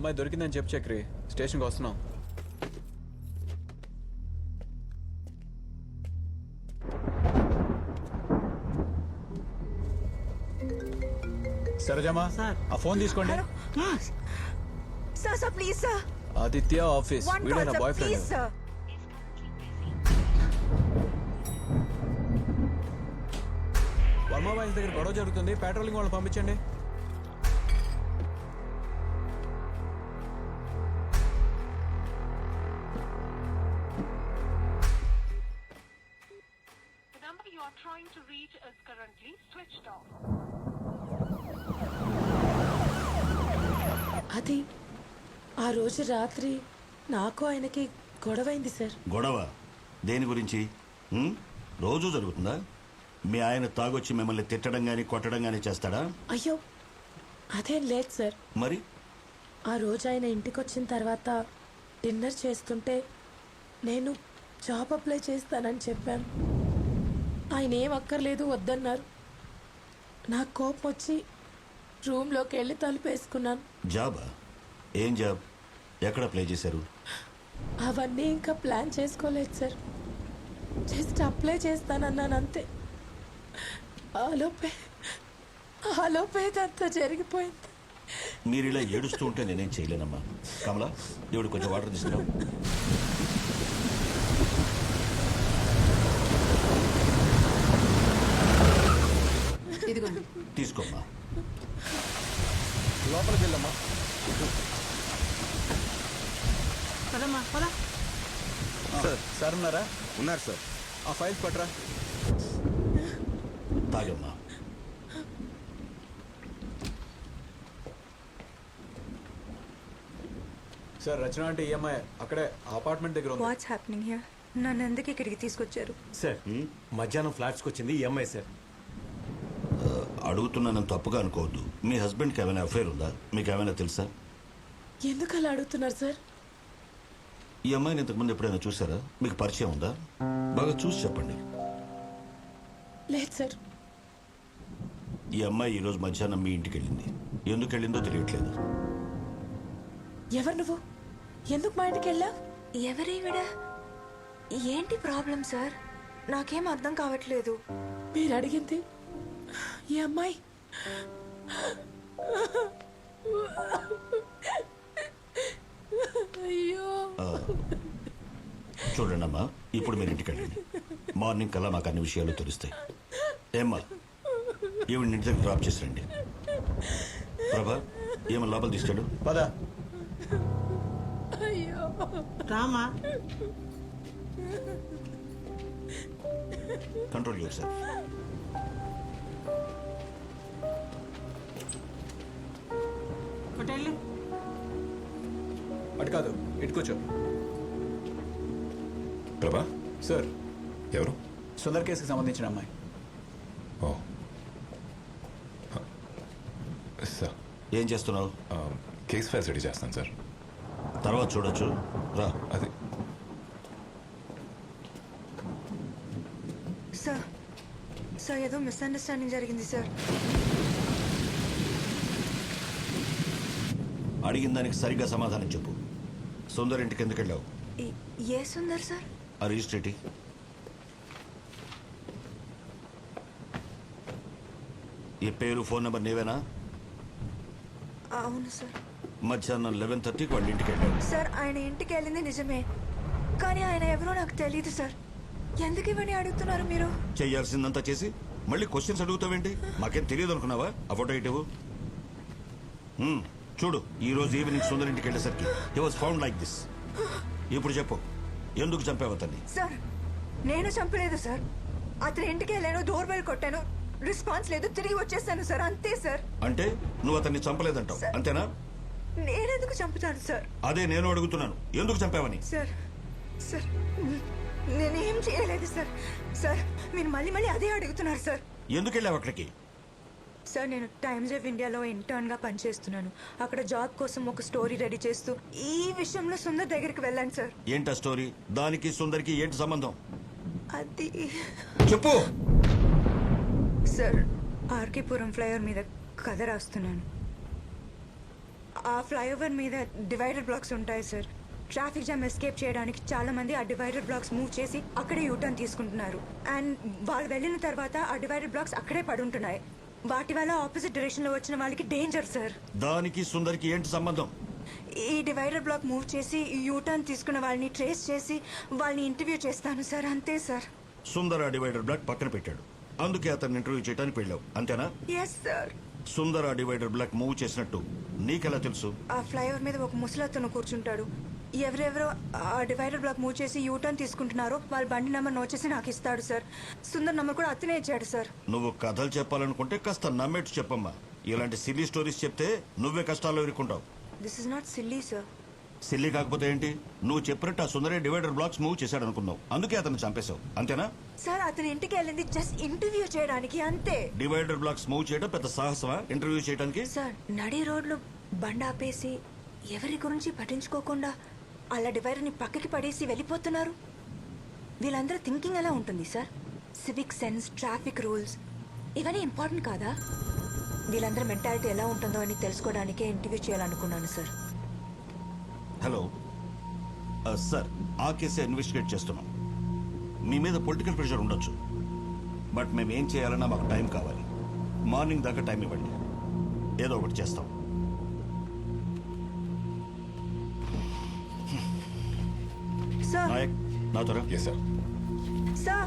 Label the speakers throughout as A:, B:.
A: అమ్మాయి దొరికిందని చెప్పు చక్రి, స్టేషన్కి వస్తున్నాం. సరేజమ్మా, ఆ ఫోన్ తీసుకోండి.
B: Sir please sir.
A: Aditya office, వీడే నా boyfriend.
B: Sir
A: Varma boys దగ్గర గొడవ జరుగుతుంది, పెట్రోలింగ్ వాళ్ళని పంపించండి.
C: Trying to reach is currently switched off.
D: అది ఆ రోజు రాత్రి నాకు ఆయనకి గొడవైంది సార్.
E: గొడవ దేని గురించి? రోజు జరుగుతుందా? మీ ఆయన తాగొచ్చి మిమ్మల్ని తిట్టడం గాని కొట్టడం గాని చేస్తాడా?
D: అయ్యో అదేం లేదు సార్.
E: మరి
D: ఆ రోజు ఆయన ఇంటికి వచ్చిన తర్వాత డిన్నర్ చేస్తుంటే నేను జాబ్ అప్లై చేస్తానని చెప్పాను. ఆయన ఏం అక్కర్లేదు వద్దన్నారు. నాకు కోపం వచ్చి రూమ్లోకి వెళ్ళి తలుపేసుకున్నాను.
E: జాబా? ఏం జాబ్? ఎక్కడ అప్లై చేశారు?
D: అవన్నీ ఇంకా ప్లాన్ చేసుకోలేదు సార్. జస్ట్ అప్లై చేస్తానన్నాను అంతే. ఆలోపే అంతా జరిగిపోయింది.
E: మీరు ఇలా ఏడుస్తూ ఉంటే నేనేం చేయలేనమ్మా. కమలా, దేవుడు కొంచెం వాటర్ తీసుకురా. తీసుకోమ్మా.
A: లోపలికి వెళ్ళమ్మా. సార్ ఉన్నారా?
F: ఉన్నారు సార్.
A: ఆ ఫైల్స్ పట్టరా.
E: తాగమ్మా.
A: సార్ రచన అంటే ఈఎంఐ అక్కడే అపార్ట్మెంట్ దగ్గర ఉంది.
B: What's happening here? నన్ను ఎందుకు ఇక్కడికి తీసుకొచ్చారు?
F: సార్ మధ్యాహ్నం ఫ్లాట్స్కి వచ్చింది ఈ అమ్మాయి సార్.
E: అడుగుతున్నానని తప్పుగా అనుకోవద్దు. మీ హస్బెండ్కి ఏమైనా అఫైర్ ఉందా? మీకు ఏమైనా తెలుసా?
D: ఎందుకు అలా అడుగుతున్నారు సార్?
E: ఈ అమ్మాయిని ఇంతకుముందు ఎప్పుడైనా చూసారా? మీకు పరిచయం ఉందా? బాగా చూసి చెప్పండి.
D: లేదు సార్.
E: ఈ అమ్మాయి ఈరోజు మధ్యాహ్నం మీ ఇంటికి వెళ్ళింది. ఎందుకు వెళ్ళిందో తెలియట్లేదు.
D: ఎవరు నువ్వు? ఎందుకు మా ఇంటికి వెళ్ళా?
B: ఎవరీవిడ? ఏంటి ప్రాబ్లం సార్? నాకేం అర్థం కావట్లేదు.
D: మీరు అడిగింది ఈ అమ్మాయి. అయ్యో
E: చూడండి అమ్మా, ఇప్పుడు మీరు ఇంటికి వెళ్ళండి. మార్నింగ్ కల్లా మాకు అన్ని విషయాలు తెలుస్తాయి. ఏమ్మా, ఈవిడ ఇంటి దగ్గర డ్రాప్ చేసి రండి. ప్రభా, ఏమన్నా లోపల తీసుకెళ్ళు.
A: పదా.
D: అయ్యో
G: Rama.
E: Control yourself.
G: Hotel
A: అటు కాదు, ఇటు కూర్చో.
F: ప్రభా,
A: సార్,
F: ఎవరు?
A: సుందర్ కేసుకి సంబంధించిన అమ్మాయి.
F: ఓ సార్,
E: ఏం చేస్తున్నావు?
F: కేస్ ఫైల్స్ రెడీ చేస్తాను సార్.
E: తర్వాత చూడొచ్చు, రా.
F: అది
B: సార్ సార్ ఏదో మిస్అండర్స్టాండింగ్ జరిగింది సార్.
E: అడిగిన దానికి సరిగ్గా సమాధానం చెప్పు. సుందర్ ఇంటికి ఎందుకు వెళ్ళావు?
B: ఏ సుందర్ సార్?
E: ఆ రిజిస్ట్రేటి. ఈ పేరు ఫోన్ నెంబర్ నీవేనా?
B: అవును సార్.
E: మధ్యాహ్నం 11:30కి వాళ్ళ ఇంటికి వెళ్ళావు.
B: సార్ ఆయన ఇంటికి వెళ్ళింది నిజమే, కానీ ఆయన ఎవరో నాకు తెలియదు సార్. ఎందుకు ఇవన్నీ అడుగుతున్నారు మీరు?
E: చేయాల్సిందంతా చేసి మళ్ళీ క్వశ్చన్స్ అడుగుతావేంటి? మాకేం తెలియదు అనుకున్నావా? ఆ ఫోటో ఇటు చూడు. ఈ రోజు ఈవినింగ్ సుందర్ ఇంటికి వెళ్ళేసరికి he was found like this. ఇప్పుడు చెప్పు, ఎందుకు చంపావు అతన్ని?
B: సార్ నేను చంపలేదు సార్. అతని ఇంటికి వెళ్ళాను, డోర్ బెల్ కొట్టాను, రెస్పాన్స్ లేదు, తిరిగి వచ్చేసాను సార్, అంతే సార్.
E: అంటే నువ్వు అతన్ని చంపలేదంటావు, అంతేనా?
B: నేనెందుకు చంపుతాను సార్?
E: అదే నేను అడుగుతున్నాను, ఎందుకు చంపావని.
B: సార్ సార్ నేనేం చేయలేదు సార్. సార్ మీరు మళ్ళీ మళ్ళీ అదే అడుగుతున్నారు సార్.
E: ఎందుకు వెళ్ళావు అక్కడికి?
B: సార్ నేను టైమ్స్ ఆఫ్ ఇండియాలో ఇంటర్న్గా పనిచేస్తున్నాను. అక్కడ జాబ్ కోసం ఒక స్టోరీ రెడీ చేస్తూ ఈ విషయంలో సుందర్ దగ్గరికి వెళ్ళాను సార్.
E: ఏంటా స్టోరీ? దానికి సుందర్కి ఏంటి సంబంధం?
B: అది
E: చెప్పు.
B: సార్ ఆర్కేపురం ఫ్లైఓవర్ మీద కథ రాస్తున్నాను. ఆ ఫ్లైఓవర్ మీద డివైడర్ బ్లాక్స్ ఉంటాయి సార్. ట్రాఫిక్ జామ్ ఎస్కేప్ చేయడానికి చాలా మంది ఆ డివైడర్ బ్లాక్స్ మూవ్ చేసి అక్కడే యూటర్న్ తీసుకుంటున్నారు. అండ్ వాళ్ళు వెళ్ళిన తర్వాత ఆ డివైడర్ బ్లాక్స్ అక్కడే పడుంటున్నాయి. వాటి వల్ల ఆపోజిట్ డైరెక్షన్ లో వచ్చిన వాళ్ళకి డేంజర్ సార్.
E: దానికి సుందర్కి ఏంటి సంబంధం?
B: ఈ డివైడర్ బ్లాక్ మూవ్ చేసి యూటర్న్ తీసుకున్న వాళ్ళని ట్రేస్ చేసి వాళ్ళని ఇంటర్వ్యూ చేస్తాను సార్. అంతే సార్.
E: సుందర్ ఆ డివైడర్ బ్లాక్ పక్కన పెట్టాడు, అందుకే అతన్ని ఇంటర్వ్యూ చేయడానికి వెళ్ళావు, అంతేనా?
B: Yes sir.
E: సుందర్ ఆ డివైడర్ బ్లాక్ మూవ్ చేసినట్టు నీకెలా తెలుసు?
B: ఆ ఫ్లైఓవర్ మీద ఒక ముసలతను కూర్చుంటాడు. ఎవరెవరో ఆ డివైడర్ బ్లాక్ మూవ్ చేసి యూటర్న్ తీసుకుంటున్నారో వాళ్ళ బండి నెంబర్ నోట్ చేసి నాకు ఇస్తాడు సార్. సుందర్ నెంబర్ కూడా అతనే ఇచ్చాడు సార్.
E: నువ్వు కథలు చెప్పాలనుకుంటే కాస్త నమ్మేట్టు చెప్పమ్మా. ఇలాంటి సిల్లీ స్టోరీస్ చెప్తే నువ్వే కష్టాల్లో ఇరుక్కుంటావు.
B: This is not silly sir.
E: Silly కాకపోతే ఏంటి? నువ్వు చెప్పినట్టు ఆ సుందరే డివైడర్ బ్లాక్స్ మూవ్ చేశాడు అనుకున్నావు, అందుకే అతను చంపేశావు, అంతేనా?
B: సార్ అతని ఇంటికి వెళ్ళింది జస్ట్ ఇంటర్వ్యూ చేయడానికి, అంతే.
E: డివైడర్ బ్లాక్స్ మూవ్ చేయడం పెద్ద సాహసమా ఇంటర్వ్యూ చేయడానికి?
B: సార్ నడి రోడ్లు బండి ఆపేసి ఎవరి గురించి పట్టించుకోకుండా అలా డివైడర్ని పక్కకి పడేసి వెళ్ళిపోతున్నారు. వీళ్ళందరూ థింకింగ్ ఎలా ఉంటుంది sir? Civic sense, traffic rules ఇవన్నీ ఇంపార్టెంట్ కాదా? వీళ్ళందరూ మెంటాలిటీ ఎలా ఉంటుందో అని తెలుసుకోవడానికే ఇంటర్వ్యూ చేయాలనుకున్నాను సార్.
E: హలో సార్, ఆ కేసే ఇన్వెస్టిగేట్ చేస్తున్నాం. మీ మీద పొలిటికల్ ప్రెషర్ ఉండొచ్చు, బట్ మేము ఏం చేయాలన్నా మాకు టైం కావాలి. మార్నింగ్ దాకా టైం ఇవ్వండి, ఏదో ఒకటి చేస్తాం.
B: సార్
E: నాయక్, నా త్వర.
F: Yes sir.
B: సార్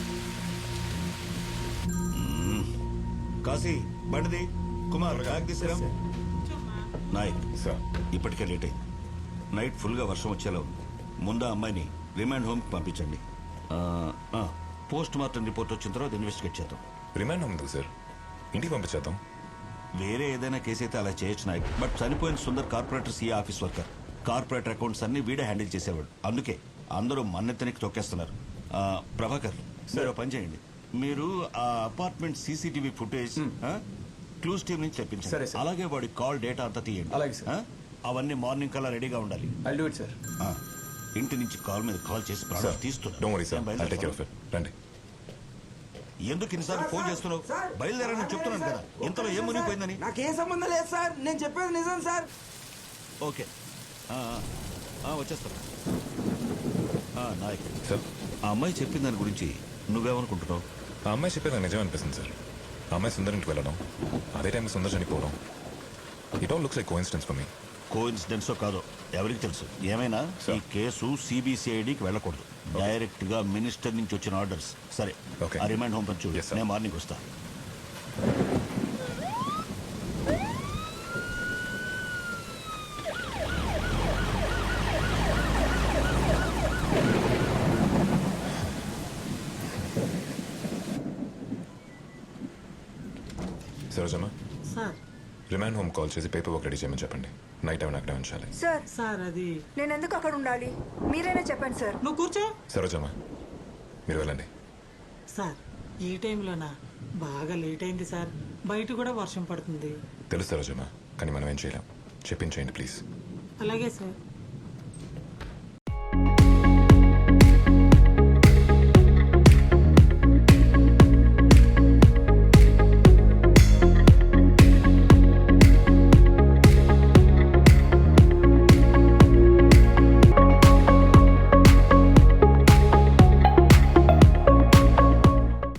E: కాశీ, బండిది. కుమార్, బ్యాగ్ తీసుకురా. నాయక్,
F: సార్.
E: ఇప్పటికే లేట్ అయింది. నైట్ ఫుల్గా వర్షం వచ్చేలా ఉంది. ముందు ఆ అమ్మాయిని రిమాండ్ హోమ్కి పంపించండి. పోస్ట్ మార్టం రిపోర్ట్ వచ్చిన తర్వాత ఇన్వెస్టిగేట్ చేద్దాం.
F: రిమాండ్ ఉంది సార్, ఇంటికి పంపించేద్దాం.
E: వేరే ఏదైనా కేసు అయితే అలా చేయొచ్చు నాయక్, బట్ చనిపోయిన Sundar corporator CA office worker. Corporator accounts అన్ని వీడే హ్యాండిల్ చేసేవాడు, అందుకే అందరూ మన్నెత్తనికి తొక్కేస్తున్నారు. ప్రభాకర్, మీరు ఓ పని చేయండి. మీరు ఆ apartment CCTV footage clues team నుంచి
A: సరే,
E: తెప్పించండి.
A: సార్.
E: అలాగే వాడి కాల్ డేటా అంతా తీయండి.
A: అలాగే, సార్.
E: అవన్నీ మార్నింగ్ కల్లా రెడీగా ఉండాలి.
A: I'll do it sir.
E: ఇంటి నుంచి కాల్ మీద కాల్ చేసి ప్రాణాలు
F: sir, don't worry sir, I'll take care of it. రండి.
E: ఎందుకు ఇన్నిసార్లు ఫోన్ చేస్తున్నావు? బయలుదేరని చెప్తున్నాను కదా, ఇంతలో ఏం మునిగిపోయిందని.
G: నాకేం సంబంధం లేదు సార్, నేను చెప్పేది నిజం సార్.
E: ఓకే, వచ్చేస్తాను. నాయక్
F: సార్,
E: ఆ అమ్మాయి చెప్పిన దాని గురించి నువ్వేమనుకుంటున్నావు?
F: ఆ అమ్మాయి చెప్పేది నాకు నిజం అనిపిస్తుంది సార్. ఆ అమ్మాయి సుందర్ ఇంటికి వెళ్ళడం, అదే టైం సుందర్ చనిపోవడం, it all looks like coincidence for me.
E: కోఇన్సిడెన్సో కాదో ఎవరికి తెలుసు. ఏమైనా ఈ కేసు సిబిసిఐడికి వెళ్ళకూడదు, డైరెక్ట్ గా మినిస్టర్ నుంచి వచ్చిన ఆర్డర్స్. సరే,
F: Okay.
E: ఆ రిమైండ్ హోమ్ పంచు.
F: Yes, sir.
E: నేను మార్నింగ్ వస్తా.
F: Sarojamma,
H: sir
F: remand home call చేసి పేపర్ వర్క్ రెడీ చేయమని చెప్పండి. నైట్ టైం అక్కడే ఉంచాలి.
B: సార్
H: సార్ అది
B: నేను ఎందుకు అక్కడ ఉండాలి? మీరైనా చెప్పండి సార్.
H: నువ్వు కూర్చో.
F: సరోజమ్మ, మీరు వెళ్ళండి.
H: సార్ ఈ టైంలోనా? బాగా లేట్ అయింది సార్, బయట కూడా వర్షం పడుతుంది.
F: తెలుసు సరోజమ్మ, కానీ మనం ఏం చేయలేం. చెప్పించేయండి ప్లీజ్.
H: అలాగే సార్.